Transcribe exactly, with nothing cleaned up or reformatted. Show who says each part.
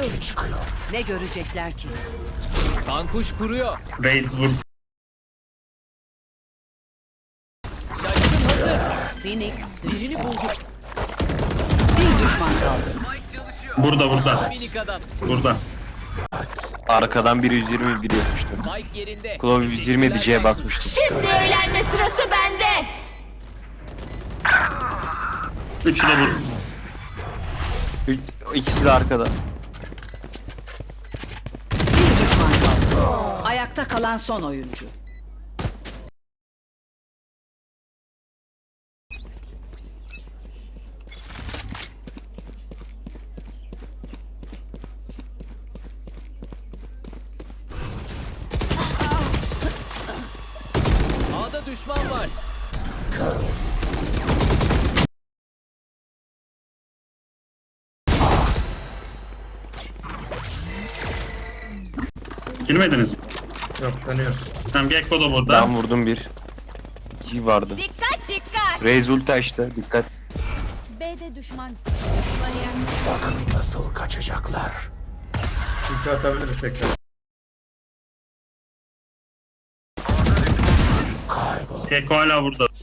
Speaker 1: Ortaya çıkıyor.
Speaker 2: Ne görecekler ki?
Speaker 3: Kankuş kuruyor.
Speaker 4: Reis vur.
Speaker 3: Şaşkın hazır.
Speaker 2: Phoenix
Speaker 3: Birini
Speaker 2: düştü.
Speaker 3: bulduk.
Speaker 2: Bir düşman kaldı.
Speaker 4: Burada burada.
Speaker 3: Minik adam.
Speaker 4: Burada.
Speaker 5: Arkadan biri yüz yirmi biri yapmıştı.
Speaker 3: Mike yerinde.
Speaker 5: Klov yüz yirmi diyeceğe basmıştım.
Speaker 2: Şimdi eğlenme sırası bende.
Speaker 4: Üçü de vur.
Speaker 5: Üç, ikisi de arkada.
Speaker 2: Bir düşman kaldı. Ayakta kalan son oyuncu.
Speaker 3: A'da düşman var.
Speaker 4: Girmediniz mi?
Speaker 6: Yok dönüyoruz.
Speaker 4: Tamam Gekko da burada.
Speaker 5: Ben vurdum bir. İki vardı.
Speaker 7: Dikkat dikkat.
Speaker 5: Reis ulti açtı. Dikkat.
Speaker 7: B'de düşman.
Speaker 1: Bakın nasıl kaçacaklar.
Speaker 6: İlk atabiliriz tekrar.
Speaker 1: Kaybol.
Speaker 4: Gekko hala burada.